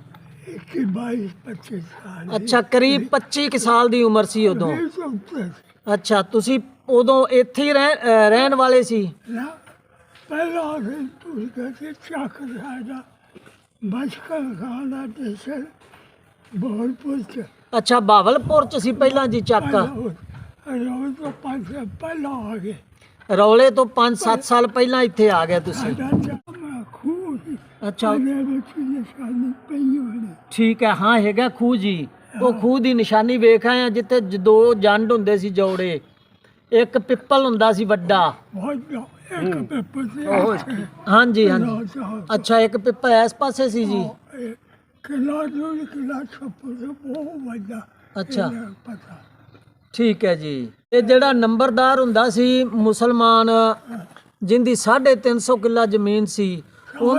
S6: 22-25 ਸਾਲ।
S2: ਅੱਛਾ, ਕਰੀਬ 25 ਕੁ ਸਾਲ ਦੀ ਉਮਰ ਸੀ ਉਦੋਂ। ਅੱਛਾ, ਤੁਸੀਂ ਉਦੋਂ ਇੱਥੇ ਹੀ ਰਹਿਣ ਵਾਲੇ ਸੀ?
S6: ਨਾ, ਪਹਿਲਾਂ ਅਸੀਂ ਤੁਰ ਕੇ ਚੱਕ ਸਾਡਾ ਬਚਕਨ ਖਾਣਾ ਦੇਸਰ ਬੋਲਪੁਰ ਚ।
S2: ਅੱਛਾ, ਬਾਵਲਪੁਰ ਚ ਸੀ ਪਹਿਲਾਂ ਜੀ ਚੱਕ?
S6: ਰੋਜ਼ ਤੋਂ 5 ਸਾਲ ਪਹਿਲਾਂ ਆ ਗਏ।
S2: ਰੌਲੇ ਤੋਂ 5-7 ਸਾਲ ਪਹਿਲਾਂ ਇੱਥੇ ਆ ਗਏ ਤੁਸੀਂ?
S6: ਸਾਡਾ ਚਾਮਾ ਖੂਹ ਸੀ,
S2: ਅੱਛਾ,
S6: ਉਹਦੇ ਵਿੱਚ ਨਿਸ਼ਾਨੀ ਪਈ ਹੋਣੀ।
S2: ਠੀਕ ਹੈ। ਹਾਂ, ਹੈਗਾ ਖੂਹ ਜੀ। ਉਹ ਖੂਹ ਦੀ ਨਿਸ਼ਾਨੀ ਵੇਖ ਆਏ ਆ ਜਿੱਥੇ ਦੋ ਜੰਡ ਹੁੰਦੇ ਸੀ ਜੋੜੇ। ਇੱਕ ਪਿੱਪਲ ਹੁੰਦਾ ਸੀ ਵੱਡਾ।
S6: ਬਹੁਤ ਇੱਕ ਪੇਪਰ ਸੀ।
S2: ਹਾਂਜੀ ਹਾਂਜੀ। ਅੱਛਾ, ਇੱਕ ਪਿੱਪਲ ਇਸ ਪਾਸੇ ਸੀ ਜੀ।
S6: ਕਿਲਾ ਦੂਰ ਕਿਲਾ ਛੱਪੂ ਤੋਂ ਬਹੁਤ ਵੱਡਾ।
S2: ਅੱਛਾ,
S6: ਇਹਦਾ ਪਤਾ
S2: ਠੀਕ ਹੈ ਜੀ। ਇਹ ਜਿਹੜਾ ਨੰਬਰਦਾਰ ਹੁੰਦਾ ਸੀ ਮੁਸਲਮਾਨ, ਜਿੰਦੀ 350 ਕਿੱਲਾ ਜ਼ਮੀਨ ਸੀ, ਉਹ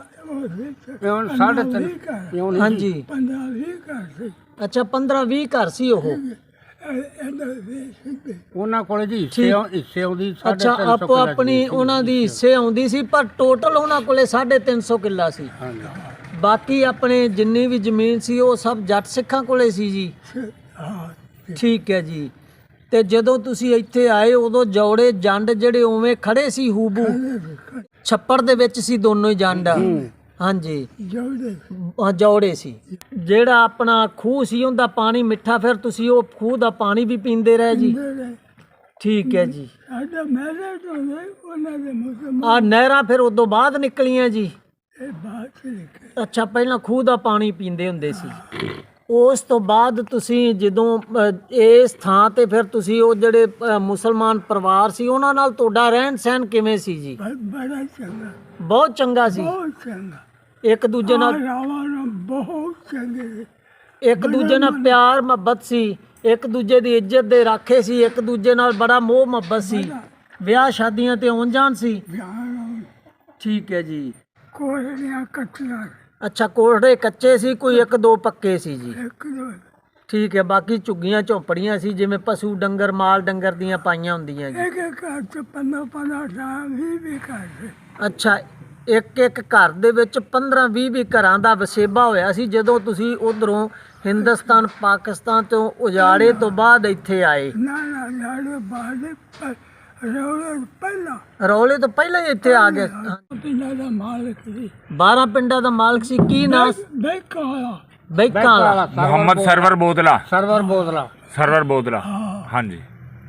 S3: ਹੁਣ 3.5
S2: ਹਾਂਜੀ।
S6: 15-20 ਘਰ ਸੀ।
S2: ਅੱਛਾ, 15-20 ਘਰ ਸੀ ਉਹ।
S6: ਇਹਨਾਂ ਦੇ ਸਿੱਧੇ
S3: ਉਹਨਾਂ ਕੋਲੇ ਜੀ
S2: ਠੀਕ।
S3: ਹਿੱਸੇ ਆਉਂਦੀ
S2: ਅੱਛਾ, ਆਪੋ ਆਪਣੀ ਉਹਨਾਂ ਦੀ ਹਿੱਸੇ ਆਉਂਦੀ ਸੀ, ਪਰ ਟੋਟਲ ਉਹਨਾਂ ਕੋਲੇ 350 ਕਿੱਲਾ ਸੀ। ਬਾਕੀ ਆਪਣੇ ਜਿੰਨੀ ਵੀ ਜ਼ਮੀਨ ਸੀ ਉਹ ਸਭ ਜੱਟ ਸਿੱਖਾਂ ਕੋਲੇ ਸੀ ਜੀ।
S6: ਹਾਂ।
S2: ਠੀਕ ਹੈ ਜੀ। ਤੇ ਜਦੋਂ ਤੁਸੀਂ ਇੱਥੇ ਆਏ ਉਦੋਂ ਜੋੜੇ ਜੰਡ ਜਿਹੜੇ ਉਵੇਂ ਖੜੇ ਸੀ ਹੂਬੂ? ਛੱਪੜ ਦੇ ਵਿੱਚ ਸੀ ਦੋਨੋਂ ਹੀ ਜੰਡ? ਹਾਂਜੀ,
S6: ਜੋੜੇ
S2: ਜੋੜੇ ਸੀ। ਜਿਹੜਾ ਆਪਣਾ ਖੂਹ ਸੀ ਉਹਦਾ ਪਾਣੀ ਮਿੱਠਾ, ਫਿਰ ਤੁਸੀਂ ਉਹ ਖੂਹ ਦਾ ਪਾਣੀ ਵੀ ਪੀਂਦੇ ਰਹੇ ਜੀ? ਠੀਕ ਹੈ ਜੀ।
S6: ਸਾਡਾ ਮੈਰਿਜ ਹੋ ਗਈ ਉਹਨਾਂ ਦੇ ਮੁਸਲਮਾਨ।
S2: ਆ ਨਹਿਰਾਂ ਫਿਰ ਉਦੋਂ ਬਾਅਦ ਨਿਕਲੀਆਂ ਜੀ?
S6: ਇਹ ਬਾਤ ਲਿਖੇ।
S2: ਅੱਛਾ, ਪਹਿਲਾਂ ਖੂਹ ਦਾ ਪਾਣੀ ਪੀਂਦੇ ਹੁੰਦੇ ਸੀ। ਉਸ ਤੋਂ ਬਾਅਦ ਤੁਸੀਂ ਜਦੋਂ ਇਸ ਥਾਂ ਤੇ ਫਿਰ ਤੁਸੀਂ ਉਹ ਜਿਹੜੇ ਮੁਸਲਮਾਨ ਪਰਿਵਾਰ ਸੀ ਉਹਨਾਂ ਨਾਲ ਤੁਹਾਡਾ ਰਹਿਣ ਸਹਿਣ ਕਿਵੇਂ ਸੀ ਜੀ?
S6: ਬੜਾ ਚੰਗਾ,
S2: ਬਹੁਤ ਚੰਗਾ ਸੀ?
S6: ਬਹੁਤ ਚੰਗਾ।
S2: ਇੱਕ ਦੂਜੇ ਨਾਲ
S6: ਰਾਵਾਂ ਬਹੁਤ ਚੰਗੇ ਸੀ।
S2: ਇੱਕ ਦੂਜੇ ਨਾਲ ਪਿਆਰ ਮੁਹੱਬਤ ਸੀ, ਇੱਕ ਦੂਜੇ ਦੀ ਇੱਜ਼ਤ ਦੇ ਰਾਖੇ ਸੀ, ਇੱਕ ਦੂਜੇ ਨਾਲ ਬੜਾ ਮੋਹ ਮੁਹੱਬਤ ਸੀ। ਵਿਆਹ ਸ਼ਾਦੀਆਂ ਤੇ ਆਉਣ ਜਾਣ ਸੀ?
S6: ਵਿਆਹ
S2: ਠੀਕ ਹੈ ਜੀ।
S6: ਕੋਹੜੀਆਂ ਕੱਟੀਆਂ
S2: ਅੱਛਾ, ਕੋਠੜੇ ਕੱਚੇ ਸੀ, ਕੋਈ ਇੱਕ ਦੋ ਪੱਕੇ ਸੀ ਜੀ?
S6: ਇੱਕ ਦੋ।
S2: ਠੀਕ ਹੈ। ਬਾਕੀ ਝੁੱਗੀਆਂ ਝੋਪੜੀਆਂ ਸੀ ਜਿਵੇਂ ਪਸ਼ੂ ਡੰਗਰ ਮਾਲ ਡੰਗਰ ਦੀਆਂ ਪਾਈਆਂ ਹੁੰਦੀਆਂ ਜੀ?
S6: ਇੱਕ ਇੱਕ ਘਰ ਚ 15-15 ਸਾਲ ਵੀ ਘਰ ਸੀ।
S2: ਅੱਛਾ, ਇੱਕ ਇੱਕ ਘਰ ਦੇ ਵਿੱਚ 15-20 ਘਰਾਂ ਦਾ ਵਸੇਬਾ ਹੋਇਆ ਸੀ ਜਦੋਂ ਤੁਸੀਂ ਉਧਰੋਂ ਹਿੰਦੁਸਤਾਨ ਪਾਕਿਸਤਾਨ ਤੋਂ ਉਜਾੜੇ ਤੋਂ ਬਾਅਦ ਇੱਥੇ ਆਏ?
S6: ਨਾ ਨਾ ਲਾੜੇ ਬਾਦੇ ਰੌਲੇ ਪਹਿਲਾਂ।
S2: ਰੌਲੇ ਤੋਂ ਪਹਿਲਾਂ ਹੀ ਇੱਥੇ ਆ ਗਏ?
S6: ਪਿੰਡਾਂ ਦਾ ਮਾਲਕ ਸੀ।
S2: 12 ਪਿੰਡਾਂ ਦਾ ਮਾਲਕ ਸੀ। ਕੀ ਨਾਮ?
S6: ਬੈਂਕਾਂ ਵਾਲਾ।
S2: ਬੈਂਕਾਂ ਵਾਲਾ?
S4: ਮੁਹੰਮਦ ਸਰਵਰ ਬੋਦਲਾ।
S3: ਸਰਵਰ ਬੋਦਲਾ।
S4: ਸਰਵਰ ਬੋਦਲਾ, ਹਾਂਜੀ।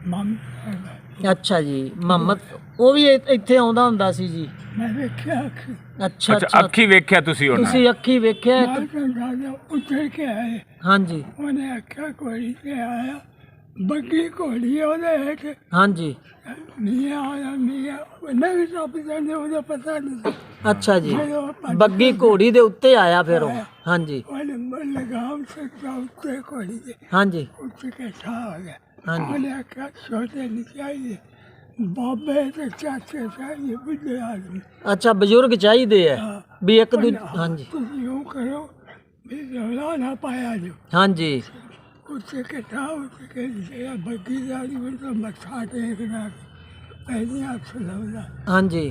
S2: ਅੱਛਾ ਜੀ। ਮੁਹੰਮਦ ਉਹ ਵੀ ਇੱਥੇ ਆਉਂਦਾ ਹੁੰਦਾ ਸੀ ਜੀ?
S6: ਮੈਂ ਵੇਖਿਆ ਕਿ
S2: ਅੱਛਾ
S4: ਅੱਛਾ,
S2: ਅੱਛਾ,
S4: ਅੱਖੀ ਵੇਖਿਆ ਤੁਸੀਂ ਉਹਨਾਂ?
S2: ਤੁਸੀਂ ਅੱਖੀ ਵੇਖਿਆ?
S6: ਰਾਜਾ ਉੱਤਰ ਕੇ ਆਏ।
S2: ਹਾਂਜੀ
S6: ਉਹਨੇ ਆਖਿਆ ਘੋੜੀ ਤੇ ਆਇਆ, ਬੱਗੀ ਘੋੜੀ ਉਹਦੇ ਹੇਠ
S2: ਹਾਂਜੀ।
S6: ਮੀਆਂ ਆਇਆ, ਮੀਆਂ ਨਹੀਂ ਸਭ ਜਾਂਦੇ, ਉਹਦਾ ਪਤਾ ਨਹੀਂ।
S2: ਅੱਛਾ ਜੀ, ਬੱਗੀ ਘੋੜੀ ਦੇ ਉੱਤੇ ਆਇਆ ਫਿਰ ਉਹ? ਹਾਂਜੀ
S6: ਉਹਨੇ ਲਗਾਮ ਸਕਦਾ ਉੱਤੇ ਘੋੜੀ ਦੇ,
S2: ਹਾਂਜੀ
S6: ਉੱਤੇ ਕੇ ਠਾ ਆ ਗਿਆ।
S2: ਹਾਂਜੀ।
S6: ਉਹਨੇ ਆਖਿਆ ਛੋਟੇ ਨਹੀਂ ਚਾਹੀਦੇ, ਬਾਬੇ ਤੇ ਚਾਚੇ ਚਾਹੀਦੇ, ਬੁੱਢੇ ਆਦਮੀ।
S2: ਅੱਛਾ, ਬਜ਼ੁਰਗ ਚਾਹੀਦੇ ਆ ਵੀ ਇੱਕ ਦੂਜੇ? ਹਾਂਜੀ
S6: ਤੁਸੀਂ ਉਹ ਕਰੋ ਵੀ ਰੌਲਾ ਨਾ ਪਾਇਆ ਜੋ।
S2: ਹਾਂਜੀ
S6: ਉੱਤੇ ਇਕੱਠਾ ਉੱਤੇ ਕੇ ਜਿਹੜਾ ਬੱਗੀ ਜਾਣੀ ਉਹ ਮੱਥਾ ਟੇਕਣਾ, ਪਹਿਲੇ ਹੱਥ ਲਾਉਂਦਾ।
S2: ਹਾਂਜੀ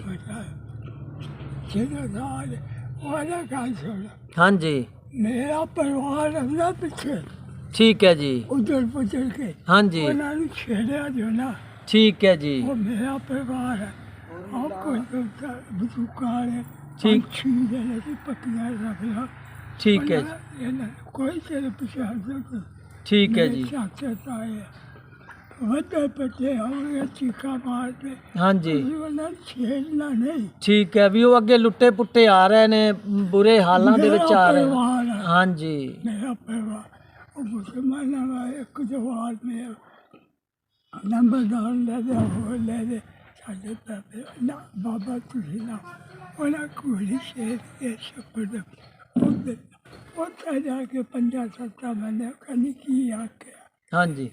S6: ਜਦੋਂ ਨਾਲ ਉਹਦਾ ਗੱਲ ਸੁਣ,
S2: ਹਾਂਜੀ
S6: ਮੇਰਾ ਪਰਿਵਾਰ ਰਹਿੰਦਾ ਪਿੱਛੇ,
S2: ਠੀਕ ਹੈ ਜੀ।
S6: ਉਧਰ ਪੁੱਜਰ ਕੇ
S2: ਹਾਂਜੀ
S6: ਉਹਨਾਂ ਨੂੰ ਛੇੜਿਆ ਜੋ ਨਾ,
S2: ਠੀਕ ਹੈ ਜੀ।
S6: ਉਹ ਮੇਰਾ ਪਰਿਵਾਰ ਹੈ। ਆਪ ਕੋਈ ਬਜ਼ੁਰਗਾਂ ਨੇ
S2: ਠੀਕ।
S6: ਛੀੜੇ ਨੇ ਪੱਕੀਆਂ ਰੱਖਣਾ,
S2: ਠੀਕ ਹੈ ਜੀ,
S6: ਇਹਨਾਂ ਕੋਈ ਤੇਰੇ ਪਿੱਛੇ ਹੱਥ
S2: ਠੀਕ ਹੈ ਜੀ।
S6: ਚਾਚੇ ਤਾਏ ਵੱਡੇ ਬੱਚੇ ਹੋਣਗੇ ਚੀਕਾ ਮਾਰਦੇ,
S2: ਹਾਂਜੀ
S6: ਉਹਨਾਂ ਨੂੰ ਛੇੜਨਾ ਨਹੀਂ।
S2: ਠੀਕ ਹੈ, ਵੀ ਉਹ ਅੱਗੇ ਲੁੱਟੇ ਪੁੱਟੇ ਆ ਰਹੇ ਨੇ, ਬੁਰੇ ਹਾਲਾਂ ਦੇ ਵਿੱਚ ਆ ਰਹੇ ਨੇ।
S6: ਪਰਿਵਾਰ ਹੈ,
S2: ਹਾਂਜੀ
S6: ਮੇਰਾ ਪਰਿਵਾਰ। ਉਹ ਮੁਸਲਮਾਨਾਂ ਦਾ ਇੱਕ ਜਵਾਨ ਮੇਰਾ ਨੰਬਰਦਾਰ ਲੈ ਦੇ, ਉਹ ਲੈ ਦੇ, ਸਾਡੇ ਬਾਬੇ ਨਾ ਬਾਬਾ ਤੁਸੀਂ ਨਾ ਉਹਨਾਂ ਕੋਲ ਸ਼ੇਰ ਕੇ ਸ਼ਪੜ ਉੱਥੇ ਜਾ ਕੇ 5-7 ਮਹੀਨੇ ਕਨੀ ਕੀ ਆਖਿਆ
S2: ਹਾਂਜੀ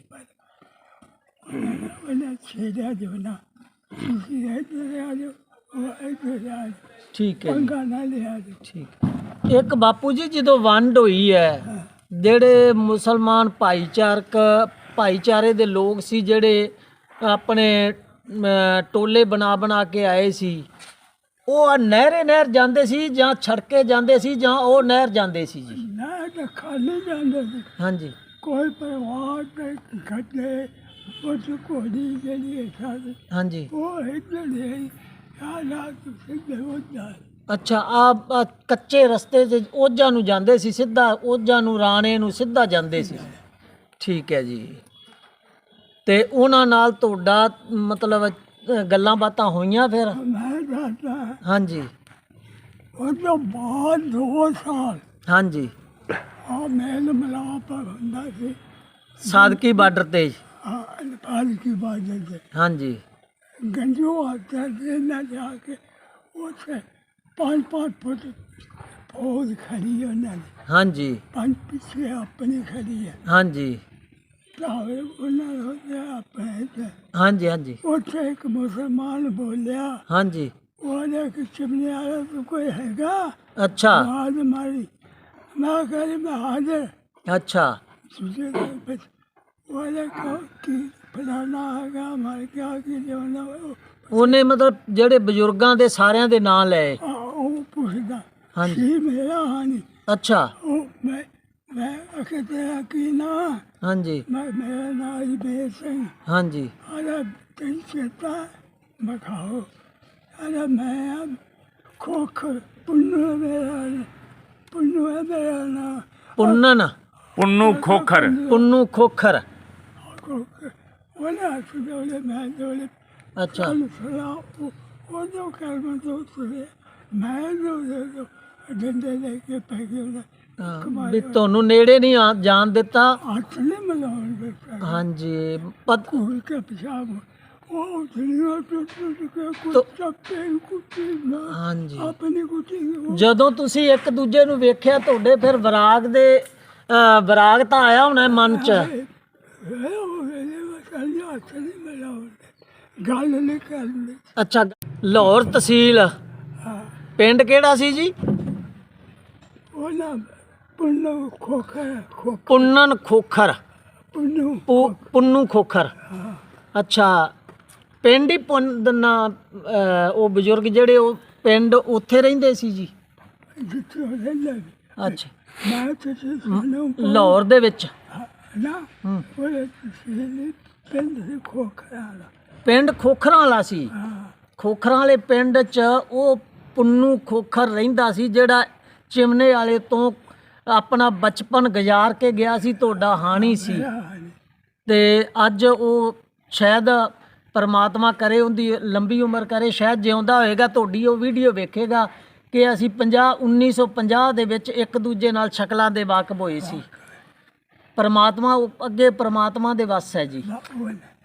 S6: ਉਹਨਾਂ ਛੇੜਿਆ ਜੋ ਨਾ ਤੁਸੀਂ ਇੱਧਰ ਆ ਜਾਓ ਉਹ ਇੱਧਰ ਆ ਜਾਓ
S2: ਠੀਕ ਹੈ ਜੀ,
S6: ਪੰਗਾ ਨਾ ਲਿਆ ਜਾਓ
S2: ਠੀਕ। ਇੱਕ ਬਾਪੂ ਜੀ ਜਦੋਂ ਵੰਡ ਹੋਈ ਹੈ, ਜਿਹੜੇ ਮੁਸਲਮਾਨ ਭਾਈਚਾਰੇ ਦੇ ਲੋਕ ਸੀ ਜਿਹੜੇ ਆਪਣੇ ਟੋਲੇ ਬਣਾ ਕੇ ਆਏ ਸੀ, ਉਹ ਨਹਿਰ ਜਾਂਦੇ ਸੀ ਜਾਂ ਛੜਕੇ ਜਾਂਦੇ ਸੀ ਜਾਂ ਉਹ ਨਹਿਰ ਜਾਂਦੇ ਸੀ ਜੀ?
S6: ਨਾ ਤਾਂ ਖਾਲੀ ਜਾਂਦੇ ਸੀ
S2: ਹਾਂਜੀ
S6: ਕੋਈ ਪਰਿਵਾਰ ਦੇ ਗੱਡੇ ਉਸ ਕੋਲੀ ਜਿਹੜੀ ਸਾਡੇ
S2: ਹਾਂਜੀ।
S6: ਉਹ ਇੱਧਰ ਦੇ ਹਾਲਾਤ ਸਿੱਧੇ ਹੋ ਜਾਏ
S2: ਅੱਛਾ, ਆ ਕੱਚੇ ਰਸਤੇ 'ਚ ਓਝਾਂ ਨੂੰ ਜਾਂਦੇ ਸੀ, ਸਿੱਧਾ ਓਝਾਂ ਨੂੰ ਰਾਣੇ ਨੂੰ ਸਿੱਧਾ ਜਾਂਦੇ ਸੀ। ਠੀਕ ਹੈ ਜੀ। ਤੇ ਉਹਨਾਂ ਨਾਲ ਤੁਹਾਡਾ ਮਤਲਬ ਗੱਲਾਂ ਬਾਤਾਂ ਹੋਈਆਂ ਫਿਰ?
S6: ਮੈਂ ਦੱਸਦਾ
S2: ਹਾਂਜੀ
S6: ਉਹ ਤੋਂ ਬਾਅਦ 2 ਸਾਲ
S2: ਹਾਂਜੀ।
S6: ਆ ਮੇਲ ਮਿਲਾਪ ਹੁੰਦਾ ਸੀ
S2: ਸਾਦਕੀ ਬਾਰਡਰ ਤੇ
S6: नेपाल की बात है
S2: ਹਾਂਜੀ
S6: गंजू आता है ना जाके उसे 5-5 फुट फौज खड़ी है उन्होंने
S2: ਹਾਂਜੀ
S6: 5 पीछे अपनी खड़ी है
S2: ਹਾਂਜੀ
S6: तावे उन्होंने अपने
S2: ਹਾਂਜੀ ਹਾਂਜੀ
S6: उसे एक मुसलमान बोलिया
S2: ਹਾਂਜੀ।
S6: बोले कि चिमनी वाला तो कोई हैगा
S2: ਅੱਛਾ
S6: आवाज मारी मैं कह मैं हाजिर
S2: ਅੱਛਾ
S6: तुझे बस बोले कि फलाना हैगा हमारे क्या की जमाना
S2: ਉਹਨੇ ਮਤਲਬ ਜਿਹੜੇ ਬਜ਼ੁਰਗਾਂ ਦੇ ਸਾਰਿਆਂ ਦੇ ਨਾਂ ਲਏ?
S6: ਉਹ ਪੁੱਛਦਾ
S2: ਹਾਂਜੀ।
S6: ਸੀ ਮੇਰਾ ਹਾਨੀ
S2: ਅੱਛਾ
S6: ਉਹ ਮੈਂ ਅਖੇ ਤੇਰਾ ਕੀ ਨਾ
S2: ਹਾਂਜੀ
S6: ਮੇਰਾ ਨਾਂ ਅਜਮੇਰ ਸਿੰਘ
S2: ਹਾਂਜੀ
S6: ਅਰੇ ਤੈਨੂੰ ਚੇਤਾ ਬਖਾਓ ਅਰੇ ਮੈਂ ਖੋਖਰ ਪੁੰਨੂ ਹੈ ਮੇਰਾ ਨਾਂ
S2: ਪੁੰਨਨ
S4: ਪੁੰਨੂ ਖੋਖਰ।
S2: ਪੁੰਨੂ ਖੋਖਰ।
S6: ਖੋਖਰ ਉਹਨੇ ਹੱਥ ਦੋਲੇ ਮੈਂ ਦੋਲੇ
S2: ਅੱਛਾ
S6: ਸੁਣਾ ਉਹ ਜੋ ਕਰਮ ਤੋਂ ਸੁਣੇ ਮੈਂ ਜੋ ਡੰਡੇ ਲੈ ਕੇ ਪੈ ਗਿਆ
S2: ਹਾਂ, ਵੀ ਤੁਹਾਨੂੰ ਨੇੜੇ ਨਹੀਂ ਜਾਣ ਦਿੱਤਾ?
S6: ਹੱਥ ਨਹੀਂ ਮਿਲਾਉਣ ਦਿੱਤਾ
S2: ਹਾਂਜੀ
S6: ਸਕੂਲ ਕੇ ਪਿਸ਼ਾਬ ਉਹ ਦੁਨੀਆ ਤੋਂ ਕੇ ਕੁੱਤਾ ਪੈਨ ਕੁੱਤੀ ਨਾ
S2: ਹਾਂਜੀ।
S6: ਆਪਣੀ ਕੁੱਤੀ
S2: ਜਦੋਂ ਤੁਸੀਂ ਇੱਕ ਦੂਜੇ ਨੂੰ ਵੇਖਿਆ ਤੁਹਾਡੇ ਫਿਰ ਵਿਰਾਗ ਤਾਂ ਆਇਆ ਹੋਣਾ ਮਨ 'ਚ?
S6: ਹੱਥ ਨਹੀਂ ਮਿਲਾਉਣ ਗੱਲ ਨਹੀਂ ਕਰਨੀ
S2: ਅੱਛਾ, ਲਾਹੌਰ ਤਹਿਸੀਲ ਪਿੰਡ ਕਿਹੜਾ ਸੀ ਜੀ?
S6: ਉਹਨਾਂ ਪੁੰਨੂ ਖੋਖਰ
S2: ਪੁੰਨਨ ਖੋਖਰ।
S6: ਪੁੰਨੂ
S2: ਪੁੰਨੂ ਖੋਖਰ। ਅੱਛਾ, ਪਿੰਡ ਹੀ ਉਹ ਬਜ਼ੁਰਗ ਜਿਹੜੇ ਉਹ ਪਿੰਡ ਉੱਥੇ ਰਹਿੰਦੇ ਸੀ ਜੀ?
S6: ਜਿੱਥੇ ਉਹ ਰਹਿੰਦਾ ਸੀ।
S2: ਅੱਛਾ,
S6: ਮੈਂ ਤੇ ਸੁਣੂ
S2: ਲਾਹੌਰ ਦੇ ਵਿੱਚ?
S6: ਨਾ ਉਹਦੇ ਪਿੰਡ ਦੇ ਖੋਖਰ ਵਾਲਾ
S2: ਪਿੰਡ ਖੋਖਰਾਂ ਵਾਲਾ ਸੀ? ਖੋਖਰਾਂ ਵਾਲੇ ਪਿੰਡ 'ਚ ਉਹ ਪੁੰਨੂ ਖੋਖਰ ਰਹਿੰਦਾ ਸੀ ਜਿਹੜਾ ਚਿਮਨੇ ਵਾਲੇ ਤੋਂ ਆਪਣਾ ਬਚਪਨ ਗੁਜ਼ਾਰ ਕੇ ਗਿਆ ਸੀ, ਤੁਹਾਡਾ ਹਾਣੀ ਸੀ। ਤੇ ਅੱਜ ਉਹ ਸ਼ਾਇਦ ਪਰਮਾਤਮਾ ਕਰੇ ਉਹਦੀ ਲੰਬੀ ਉਮਰ ਕਰੇ, ਸ਼ਾਇਦ ਜਿਉਂਦਾ ਹੋਏਗਾ ਤੁਹਾਡੀ ਉਹ ਵੀਡੀਓ ਵੇਖੇਗਾ ਕਿ ਅਸੀਂ 1950 ਦੇ ਵਿੱਚ ਇੱਕ ਦੂਜੇ ਨਾਲ ਸ਼ਕਲਾਂ ਦੇ ਵਾਕਫ ਹੋਏ ਸੀ। ਪਰਮਾਤਮਾ ਅੱਗੇ ਪਰਮਾਤਮਾ ਦੇ ਵੱਸ ਹੈ ਜੀ।